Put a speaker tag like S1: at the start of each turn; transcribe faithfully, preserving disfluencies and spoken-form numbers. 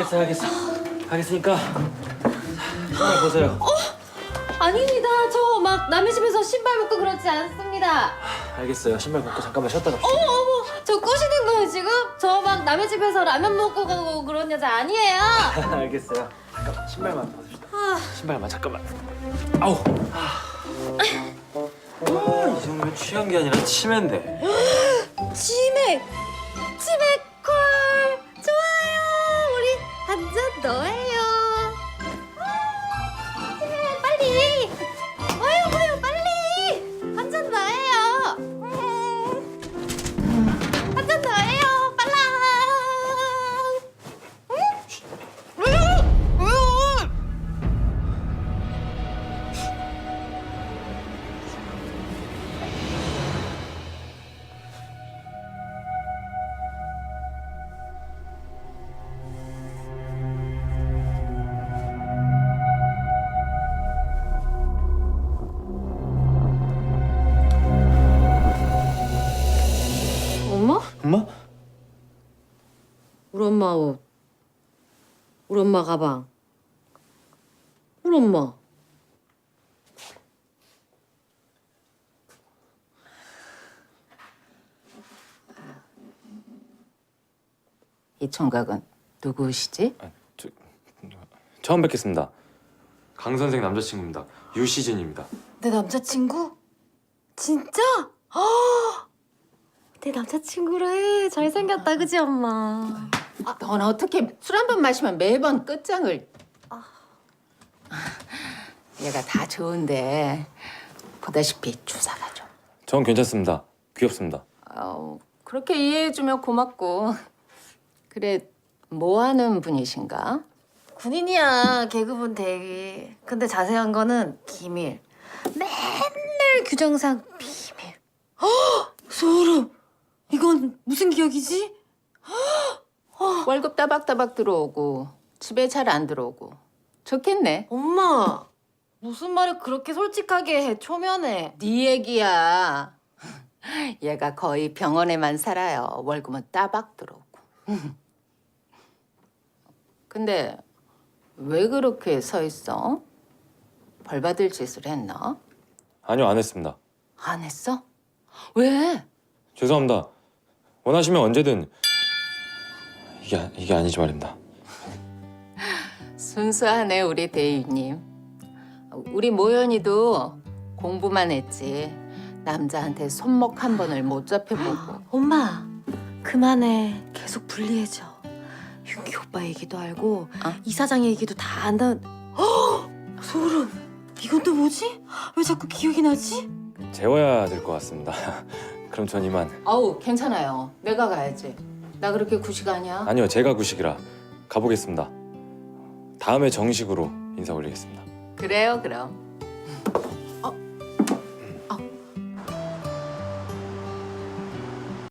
S1: 알겠어, 알겠어. 알겠으니까 신발 벗어요.
S2: 어? 아닙니다. 저 막 남의 집에서 신발 벗고 그렇지 않습니다.
S1: 알겠어요. 신발 벗고 잠깐만 쉬었다 갑시다.
S2: 어머 어머, 저 꼬시는 거예요 지금? 저 막 남의 집에서 라면 먹고 가고 그런 여자 아니에요.
S1: 알겠어요. 잠깐만 신발만 벗읍시다.
S2: 아,
S1: 신발만 잠깐만. 아우. 아, 이 정도면 취한 게 아니라 치매인데.
S2: 치맥, 치맥콜 좋아요. 우리 한 잔 더 해요. 아, 치맥 빨리. 와요 와요 빨리. 한 잔 더 해요. 음. 한 잔 더 해요. 빨라. 응? 왜요? 왜요? 엄마?
S1: 엄마?
S2: 우리 엄마 옷. 우리 엄마 가방. 우리 엄마.
S3: 이 총각은 누구시지?
S1: 아, 저, 처음 뵙겠습니다. 강 선생 남자친구입니다. 유시진입니다.
S2: 내 남자친구? 진짜? 아, 내 남자친구래. 잘생겼다, 그지 엄마?
S3: 아, 넌 어떻게 술 한 번 마시면 매번 끝장을... 아. 얘가 다 좋은데 보다시피 주사가 좀...
S1: 전 괜찮습니다. 귀엽습니다.
S3: 아우, 그렇게 이해해주면 고맙고. 그래, 뭐 하는 분이신가?
S2: 군인이야, 계급은 대위. 근데 자세한 거는 기밀. 맨날 규정상 비밀. 헉! 소름! 이건 무슨 기억이지?
S3: 월급 따박따박 들어오고 집에 잘 안 들어오고 좋겠네.
S2: 엄마, 무슨 말을 그렇게 솔직하게 해, 초면에.
S3: 네 얘기야. 얘가 거의 병원에만 살아요. 월급은 따박 들어오고. 근데 왜 그렇게 서 있어? 벌 받을 짓을 했나?
S1: 아니요, 안 했습니다.
S3: 안 했어? 왜?
S1: 죄송합니다. 원하시면 언제든 이게 이게 아니지 말입니다.
S3: 순수하네 우리 대위님. 우리 모연이도 공부만 했지 남자한테 손목 한 번을 못 잡혀보고.
S2: 엄마, 그만해. 계속 불리해져. 윤기 오빠 얘기도 알고
S3: 어?
S2: 이사장 얘기도 다 안다. 헉! 소름. 이건 또 뭐지? 왜 자꾸 기억이 나지?
S1: 재워야 될 것 같습니다. 그럼 전 이만.
S3: 어우 괜찮아요. 내가 가야지. 나 그렇게 구식 아니야.
S1: 아니요, 제가 구식이라 가보겠습니다. 다음에 정식으로 인사 올리겠습니다.
S3: 그래요 그럼.